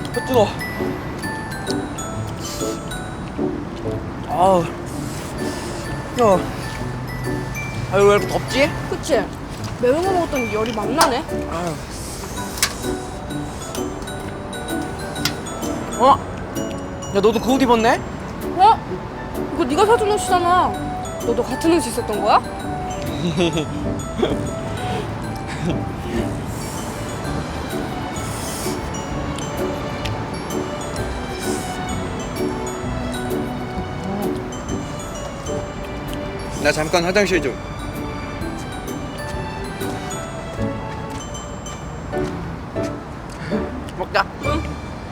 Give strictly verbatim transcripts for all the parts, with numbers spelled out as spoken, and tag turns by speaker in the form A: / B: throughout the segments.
A: 뜨거. 아우. 야. 아유 왜 이렇게 덥지?
B: 그치? 매운 거 먹었더니 열이 막 나네.
A: 아유. 어? 야 너도 그 옷 입었네?
B: 어? 이거 네가 사준 옷이잖아. 너도 같은 옷 있었던 거야?
A: 나 잠깐 화장실 좀. 먹자.
B: 응.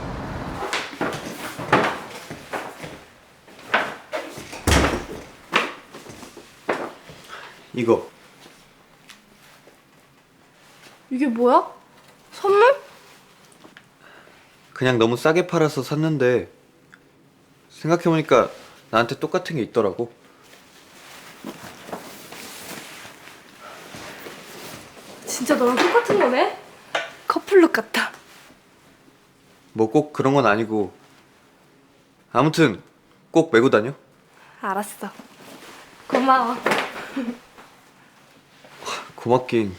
A: 이거
B: 이게 뭐야? 선물?
C: 그냥 너무 싸게 팔아서 샀는데 생각해보니까 나한테 똑같은 게 있더라고.
B: 진짜 너랑 똑같은 거네? 커플룩 같아.
C: 뭐 꼭 그런 건 아니고 아무튼 꼭 메고 다녀.
B: 알았어. 고마워.
C: 고맙긴.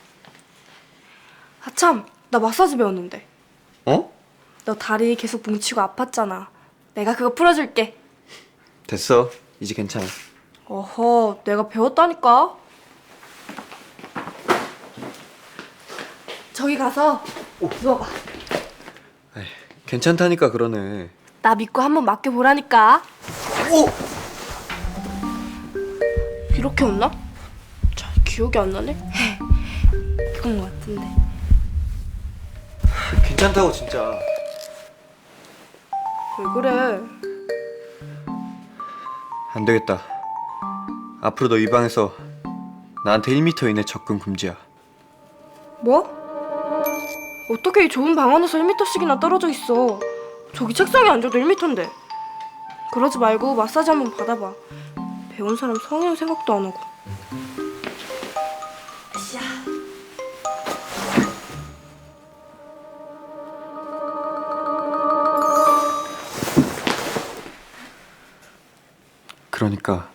B: 아참, 나 마사지 배웠는데.
C: 어?
B: 너 다리 계속 뭉치고 아팠잖아. 내가 그거 풀어줄게.
C: 됐어. 이제 괜찮아.
B: 어허, 내가 배웠다니까. 저기 가서 누워봐.
C: 에이, 괜찮다니까 그러네.
B: 나 믿고 한번 맡겨보라니까.
C: 오!
B: 이렇게 웃나? 잘 기억이 안 나네. 그런 거 같은데.
C: 괜찮다고 진짜.
B: 왜 그래?
C: 안 되겠다. 앞으로 너 이 방에서 나한테 일 미터 이내 접근 금지야.
B: 뭐? 어떻게 이 좁은 방 안에서 일 미터씩이나 떨어져 있어? 저기 책상에 앉아도 일 미터인데. 그러지 말고 마사지 한번 받아봐. 배운 사람 성형 생각도 안 하고. 으쌰.
C: 그러니까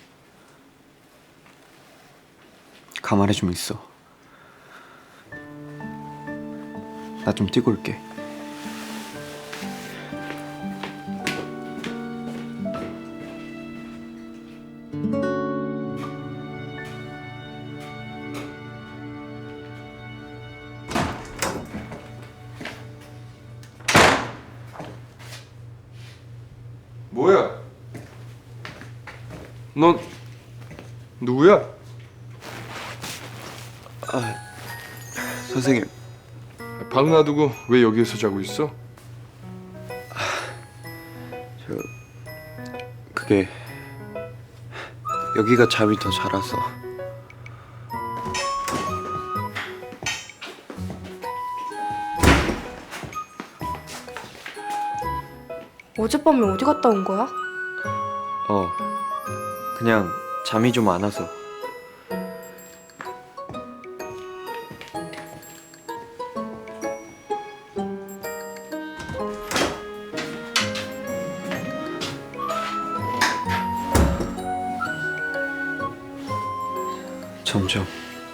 C: 가만히 좀 있어. 나 좀 뛰고 올게.
D: 뭐야? 넌 누구야?
C: 선생님,
D: 방 놔두고 왜 여기에서 자고 있어?
C: 저 그게 여기가 잠이 더 잘 와서.
B: 어젯밤에 어디 갔다 온 거야?
C: 어, 그냥 잠이 좀 안 와서. 점점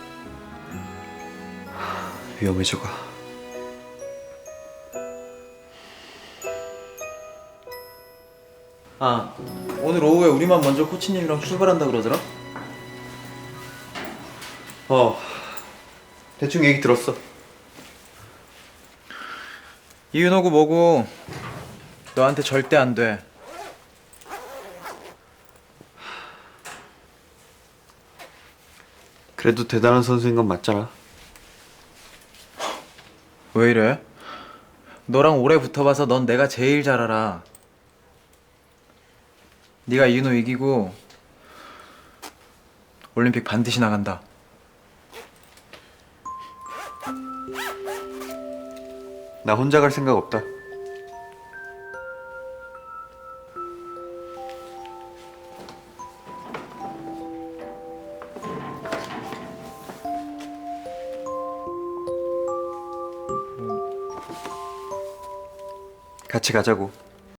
C: 위험해져가.
E: 아, 오늘 오후에 우리만 먼저 코치님이랑 출발한다 그러더라?
C: 어, 대충 얘기 들었어.
E: 이윤호고 뭐고 너한테 절대 안 돼.
C: 그래도 대단한 선수인 건 맞잖아.
E: 왜 이래? 너랑 오래 붙어봐서 넌 내가 제일 잘 알아. 네가 이윤호 이기고 올림픽 반드시 나간다.
C: 나 혼자 갈 생각 없다. 같이 가자고.